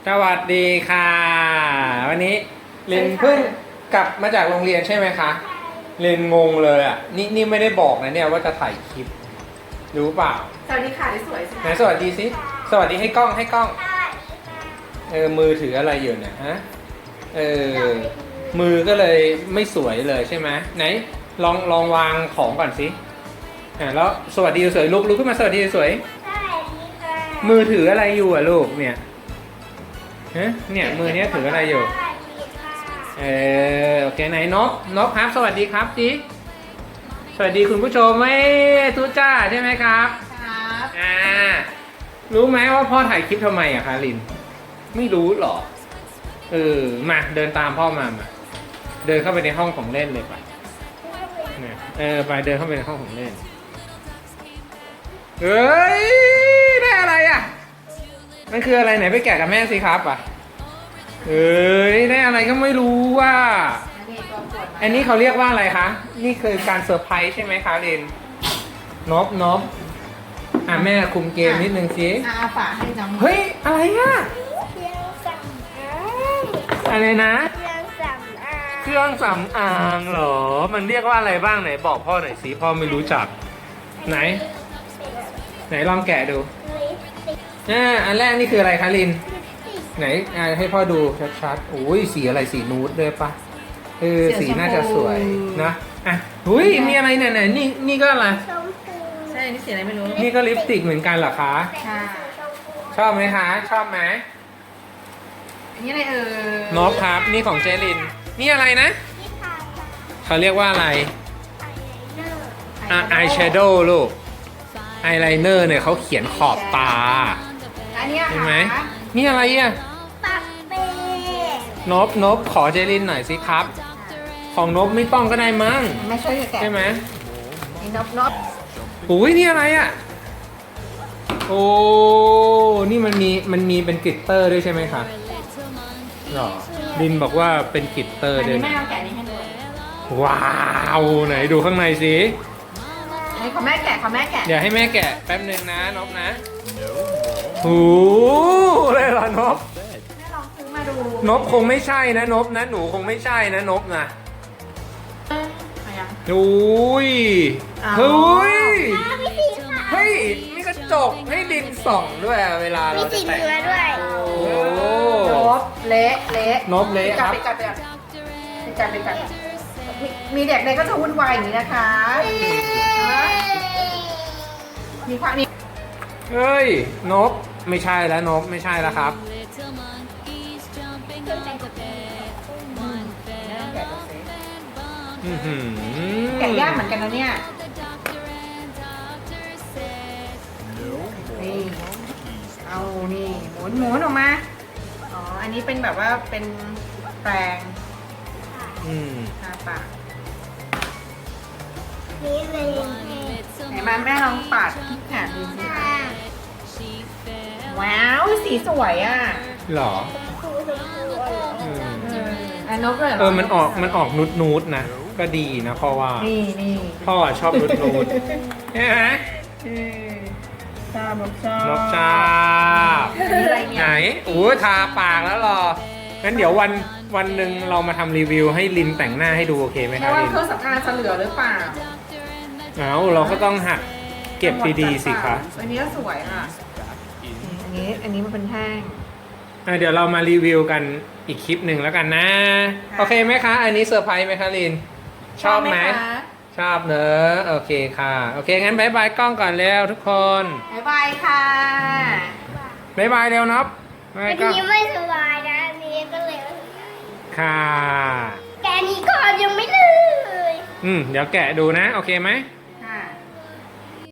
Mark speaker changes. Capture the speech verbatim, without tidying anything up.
Speaker 1: สวัสดีค่ะวันนี้ลินเพิ่งกลับมาจากโรงเรียนใช่ไหมคะลินงงเลยอ่ะนี่นี่ไม่ได้บอกนะเนี่ยว่าจะถ่ายคลิปรู้เปล่า
Speaker 2: สวัสดีค่ะสวยสิ
Speaker 1: ไหนสวัสดีสิสวัสดีให้กล้องให้กล้องเออมือถืออะไรอยู่เนี่ยฮะเออมือก็เลยไม่สวยเลยใช่ไหมไหนลองลองวางของก่อนสิอ่าแล้วสวัสดีสวยลุกลุกขึ้นมาสวัสดีสวยมือถืออะไรอยู่อ่ะลูกเนี่ยฮะเนี่ยมือเนี้ยถืออะไรอยู่เออโอเคไหนนกนกครับสวัสดีครับจีสวัสดีคุณผู้ชมไม่ทุจ้าใช่ไหมครับ
Speaker 2: ครับ
Speaker 1: อ่ารู้ไหมว่าพ่อถ่ายคลิปทำไมอะคะลินไม่รู้หรอเออมาเดินตามพ่อมามาเดินเข้าไปในห้องของเล่นเลยไปเออไปเดินเข้าไปในห้องของเล่นเฮ้ยได้อะไรอะมันคืออะไรไหนไปแกะกับแม่สิครับอ่ะเอ้ยได้อะไรก็ไม่รู้ว่าอันนี้เขาเรียกว่าอะไรคะนี่คือการเซอร์ไพรส์ใช่ไหมคะเรนนบนบอ่ะแม่คุมเกมนิดนึงสิ
Speaker 2: อาฝาให้น้อง
Speaker 1: เฮ้ยอะไรอ่ะ
Speaker 3: เครื่องสำอาง
Speaker 1: อะไรนะ
Speaker 3: เครื่องสำอาง
Speaker 1: เครื่องสำอางเหรอมันเรียกว่าอะไรบ้างไหนบอกพ่อหน่อยสิพ่อไม่รู้จักไหนไหนลองแกะดูอ่าอันแรกนี่คืออะไรคะลินไหนอ่าให้พ่อดูชัดๆโอ้ยสีอะไรสีนูดด้วยปะเออสีน่าจะสวยนะอ่ะหุ้ยมีอะไรเนี่ยเนี่ยนี่นี่ก็อะไร
Speaker 3: ชมพู
Speaker 2: ใช่นี่สีอะไรไม่รู้
Speaker 1: นี่ก็ลิปสติกเหมือนกันเหรอคะ
Speaker 2: ค่ะ
Speaker 1: ชอบไหมคะชอบไหม
Speaker 2: อันนี้อะไรเออน
Speaker 1: บครับนี่ของเจลินนี่อะไรนะเขาเรียกว่าอะไรอ่ะอายแชโดว์ลูกไอไลเนอร์เนี่ยเขาเขียนขอบตา
Speaker 2: อันนี้
Speaker 1: เห็นไหมนี่อะไรอ่ะ
Speaker 3: ปักเป้
Speaker 1: นบนบขอเจลินหน่อยสิครับของนบไม่ต้องก็ได้มั้ง
Speaker 2: ไม่ช่วยแกะ
Speaker 1: ใช่ไหม
Speaker 2: นี่นบนบ
Speaker 1: อุ้ยนี่อะไรอ่ะโอ้นี่มันมีมันมีเป็นกลิตเตอร์ด้วยใช่ไหมคะหรอลินบอกว่าเป็นกลิตเตอร์ด้วย
Speaker 2: แม่เอาแกะนี้ให้ดู
Speaker 1: ว้าวไหนดูข้างในสิ
Speaker 2: ให้ขอแม่แกะขอแม่แกะ
Speaker 1: เดี๋ยวให้แม่แกะแป๊บนึงนะนบนะโอ้เลยเหรอนบ
Speaker 2: แม่ลองซื้อมาดู
Speaker 1: นบคงไม่ใช่นะนบนะหนูคงไม่ใช่นะนบนะอุ้ยเฮ้ยเฮ้ยมีกระจกให้ดินส่องด้วยเวลาเราจะแต่ง
Speaker 3: ด้วย
Speaker 1: โอ้
Speaker 2: นบเละเละ
Speaker 1: นบเละครับ
Speaker 2: ไปจับไปจับไปจับไปจับมีเด็กเด็กก็จะวุ่นวายอย่างนี้นะคะมีความนี้
Speaker 1: เฮ้ยนบไม่ใช่แล้วนบไม่ใช่แล้วครับ
Speaker 2: แกะยากเหมือนกันนะเนี่ยนี่เอานี่หมุนหมุนออกมาอ๋ออันนี้เป็นแบบว่าเป็นแปรง
Speaker 1: อืม
Speaker 2: ทาปาก
Speaker 3: นี่เลย
Speaker 2: ไหนมาแม่ลองปาดที่แขนดูสิคะว้าวสีสวยอ่ะ
Speaker 1: หรอ
Speaker 2: อันนกเลย
Speaker 1: เออมันออกมันออกนุดนูดนะก็ดีนะพ่อว่า
Speaker 2: นี่นี่
Speaker 1: พ่อชอบนุดนูดใช่ไหม
Speaker 2: ชอบนกชอบ
Speaker 1: นกชาบไหนโอ้ทาปากแล้วหรองั้นเดี๋ยววันวันหนึ่งเรามาทำรีวิวให้ลินแต่งหน้าให้ดูโอเคไหมครับลิน
Speaker 2: เครื่องสำอางจะเหลือหรือเปล่า
Speaker 1: เอาเราก็ต้องหัดเก็บดีๆสิคะ
Speaker 2: อันนี้ก็สวยค่ะอันนี้อันนี้มันเป็นแท่ง
Speaker 1: เดี๋ยวเรามารีวิวกันอีกคลิปหนึ่งแล้วกันนะโอเคไหมคะอันนี้เซอร์ไพรส์ไหมคะลินชอบไหมชอบเนอะโอเคค่ะโอเคงั้นบายบายกล้องก่อนแล้วทุกคน
Speaker 2: บายบายค่ะ
Speaker 1: บายบายเร็วนับ
Speaker 3: อันนี้ไม่สบายนะอันนี้ก็เลย
Speaker 1: ค่ะ
Speaker 3: แกนี้ก่อนยังไม่เลย
Speaker 1: อืมเดี๋ยวแกะดูนะโอเคไหม